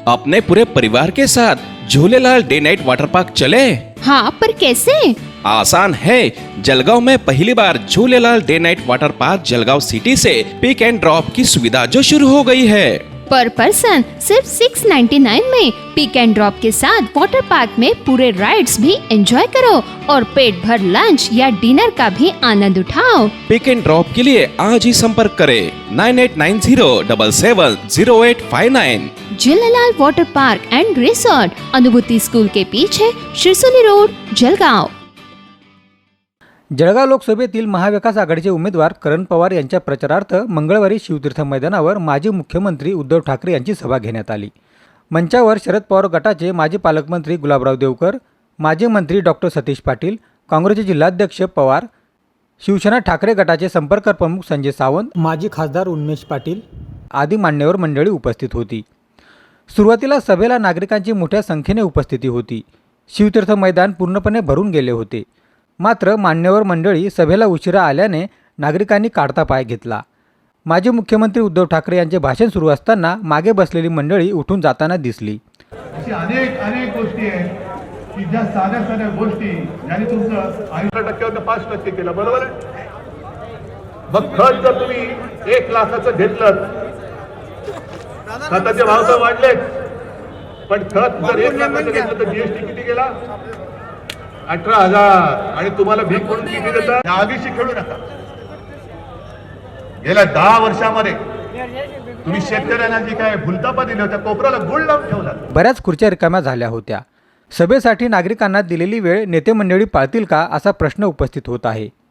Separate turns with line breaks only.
अपने पूरे परिवार के साथ Jhulelal day night water park चले।
हाँ, पर कैसे?
आसान है। जलगांव में पहली बार Jhulelal day night water park Jalgaon city से पिक एंड ड्रॉप की सुविधा जो शुरू हो गई है।
पर पर्सन सिर्फ 699 में पिक एंड ड्रॉप के साथ वाटर पार्क में पूरे राइड्स भी एंजॉय करो और पेट भर लंच या डिनर का भी आनंद उठाओ।
पिक एंड ड्रॉप के लिए आज ही संपर्क करें 9890770859।
Jhulelal water park and resort, Anubhuti school के पीछे, शिरसोली रोड, जलगांव।
जळगाव लोकसभेतील महाविकास आघाडीचे उमेदवार करण पवार यांच्या प्रचारार्थ मंगळवारी शिवतीर्थ मैदानावर माजी मुख्यमंत्री उद्धव ठाकरे यांची सभा घेण्यात आली। मंचावर शरद पवार गटाचे माजी पालकमंत्री गुलाबराव देवकर, माजी मंत्री डॉक्टर सतीश पाटील, काँग्रेसचे जिल्हाध्यक्ष पवार, शिवसेना ठाकरे गटाचे संपर्क प्रमुख संजय सावंत, माजी खासदार उन्मेष पाटील आदी मान्यवर मंडळी उपस्थित होती। सुरुवातीला सभेला नागरिकांची मोठ्या संख्येने उपस्थिती होती। शिवतीर्थ मैदान पूर्णपणे भरून गेले होते। मात्र मान्यवर मंडळी सभेला उशिरा आल्याने नागरिकांनी काढता पाय घेतला। माजी मुख्यमंत्री उद्धव ठाकरे यांचे भाषण सुरू असताना मागे बसलेली मंडळी उठून जाताना दिसली।
अशी अनेक गोष्टी आहेत की ज्या साध्या गोष्टी ज्याने तुमचं 80% 5% केलं, बरोबर आहे। मग खत जर तुम्ही 1 लाखाचं घेतलं, खताचे भाव तर वाढलेच, पण खत जर 1 लाखाचं घेतलं तर जीएसटी किती गेला? 18,000। आणि तुम्हाला भीक म्हणून किती देतात? आगीशी खेळू नका। गेल्या 10 वर्षामध्ये तुम्ही शेतकऱ्यांना जी काय भुलतापा दिल्या होत्या, कोपऱ्याला गुळ लावून ठेवला।
बऱ्याच खुर्च्या रिकाम्या झाल्या होत्या। सभेसाठी नागरिकांना दिलेली वेळ नेते मंडळी पाळतील का असा प्रश्न उपस्थित होत आहे।